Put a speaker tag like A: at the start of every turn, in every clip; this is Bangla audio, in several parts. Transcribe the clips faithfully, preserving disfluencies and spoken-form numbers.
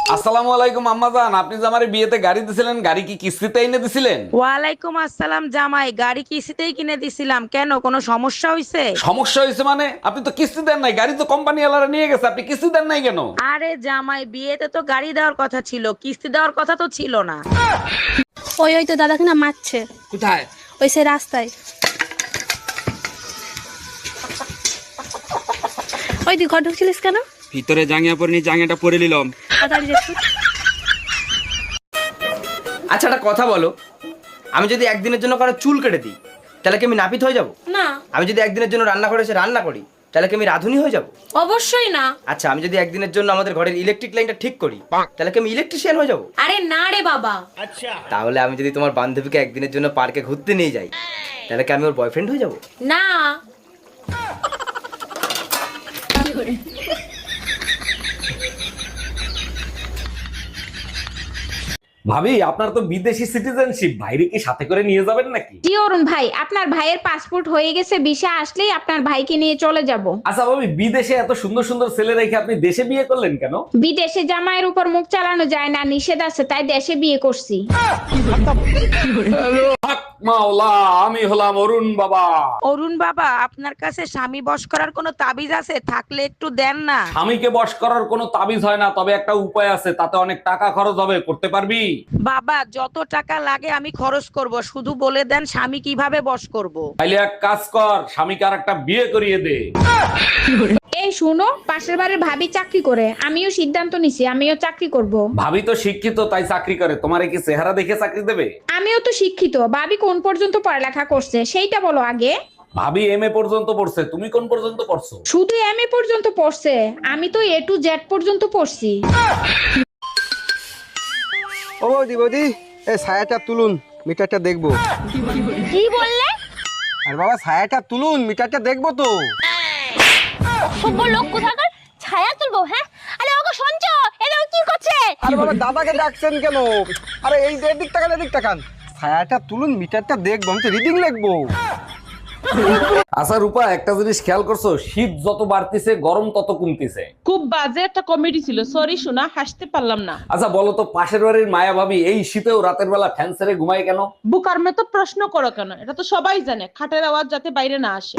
A: আসসালামু আলাইকুম আম্মাজান, আপনি যে আমার বিয়েতে গাড়ি দিছিলেন, গাড়ি কি কিস্তিতে এনে দিছিলেন?
B: ওয়ালাইকুম আসসালাম জামাই, গাড়ি কিস্তিতেই কিনে দিছিলাম। কেন, কোনো সমস্যা হয়েছে?
A: সমস্যা হয়েছে মানে? আপনি তো কিস্তি দেন নাই, গাড়ি তো কোম্পানি ওয়ালারা নিয়ে গেছে, আপনি কিস্তি দেন নাই কেন?
B: আরে জামাই, বিয়েতে তো গাড়ি দেওয়ার কথা ছিল, কিস্তি দেওয়ার কথা তো ছিল না।
C: ওই ওই তো দাদাকে না মারছে।
D: কোথায়?
C: ওই সে রাস্তায়। ওই তুই ঘর ঢুকছিলিস কেন?
D: ভিতরে জাঙ্গিয়া পরে নি, জাঙ্গিয়াটা পরে নিলাম।
C: তাড়াতাড়ি যাচ্ছি।
E: আচ্ছা একটা কথা বলো, আমি যদি একদিনের জন্য কারো চুল কেটে দিই তাহলে কি আমি নাপিত হয়ে যাব?
C: না,
E: আমি যদি একদিনের জন্য রান্না করে এসে রান্না করি তাহলে কি আমি রাঁধুনি হয়ে যাব?
C: অবশ্যই না।
E: আচ্ছা আমি যদি একদিনের জন্য আমাদের ঘরের ইলেকট্রিক লাইনটা ঠিক করি তাহলে কি আমি ইলেকট্রিশিয়ান হয়ে যাব?
C: আরে না রে বাবা।
E: তাহলে আমি যদি তোমার বান্ধবীকে একদিনের জন্য পার্কে ঘুরতে নিয়ে যাই তাহলে কি আমি ওর বয়ফ্রেন্ড হয়ে যাব?
C: না।
A: ভাবি, আপনার তো বিদেশি সিটিজেনশিপ, ভাইরে কি সাথে করে নিয়ে যাবেন নাকি?
F: জি অরুণ ভাই, আপনার ভাইয়ের পাসপোর্ট হয়ে গেছে, ভিসা আসলেই আপনার ভাইকে নিয়ে চলে যাব।
A: আচ্ছা ভাবি, বিদেশে এত সুন্দর সুন্দর ছেলে রেখে আপনি দেশে বিয়ে করলেন কেন?
F: বিদেশে জামাইয়ের উপর মুখ চালানো যায় না, নিষেধ আছে, তাই দেশে বিয়ে করছি।
A: হক মাওলা, আমি হলাম অরুণ বাবা।
B: অরুণ বাবা, আপনার কাছে স্বামী বশ করার কোনো তাবিজ আছে? থাকলে একটু দেন না।
A: স্বামীকে বশ করার কোনো তাবিজ হয় না, তবে একটা উপায় আছে, তাতে অনেক টাকা খরচ হবে, করতে পারবি?
B: বাবা, যত টাকা লাগে আমি খরচ করব, শুধু বলে দেন স্বামী কিভাবে বশ করব।
A: তাইলে এক কাজ কর, স্বামীকে আর একটা বিয়ে করিয়ে দে।
F: এই শুনো, পাশের বাড়ির ভাবি চাকরি করে, আমিও সিদ্ধান্ত নিছি আমিও চাকরি করব।
A: ভাবি তো শিক্ষিত, তাই চাকরি করে, তোমারে কি চেহারা দেখে চাকরি দেবে?
F: আমিও তো শিক্ষিত, ভাবি কোন পর্যন্ত পড়ালেখা করছে সেইটা বলো আগে।
A: ভাবি এম এ পর্যন্ত পড়ছে, তুমি কোন পর্যন্ত পড়ছো?
F: শুধু এম এ পর্যন্ত পড়ছে, আমি তো এ টু জেড পর্যন্ত পড়ছি।
G: ও বৌদি বৌদি, এই ছায়াটা তুলুন, মিটারটা দেখবো।
C: কি বললে?
G: আর বাবা ছায়াটা তুলুন, মিটারটা দেখবো তো।
C: সভ্য লোক কোথাকার, ছায়া তুলবো? হ্যাঁ, আরে ওগো সঞ্চ, এরা কি করছে?
G: আরে বাবা দাদাকে ডাকছেন কেন? আরে এই এদিক তাকান, এদিক তাকান, ছায়াটা তুলুন, মিটারটা দেখবো, আমি তো রিডিং লিখবো।
A: আচ্ছা রূপা, একটা জিনিস খেয়াল করছো, শীত যত বাড়তিছে গরম তত কমতিছে।
H: খুব বাজে একটা কমেডি ছিল, সরি শোনা, হাসতে পারলাম না।
A: আচ্ছা বলো তো, পাশের বাড়ির মায়া ভাবি এই শীতেও রাতের বেলা ফ্যান ছেড়ে ঘুমায় কেন?
H: বুকার মে তো প্রশ্ন করো কেন, এটা তো সবাই জানে, খাটের আওয়াজ যাতে বাইরে না আসে।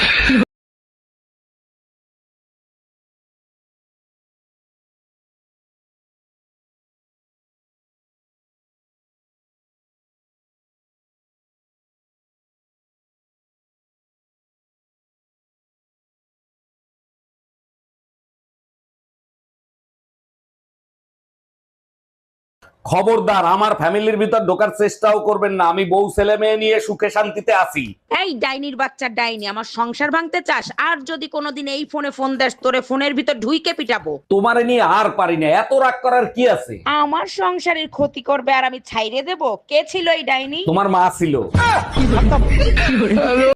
A: খবরদার আমার ফ্যামিলির ভিতর ঢোকার চেষ্টাও করবেন না, আমি বউ ছেলে মেয়ে নিয়ে সুখে শান্তিতে আছি।
B: এই ডাইনির বাচ্চা ডাইনি, আমার সংসার ভাঙতে চাস? আর যদি কোনোদিন এই ফোনে ফোন দেস, তোরে ফোনের ভিতর ঢুইকে পিটাবো।
A: তোমারে নিয়ে আর পারি না, এত রাগ করার কি আছে?
B: আমার সংসারের ক্ষতি করবে আর আমি ছাইরে দেব? কে ছিল এই ডাইনি?
A: তোমার মা ছিল।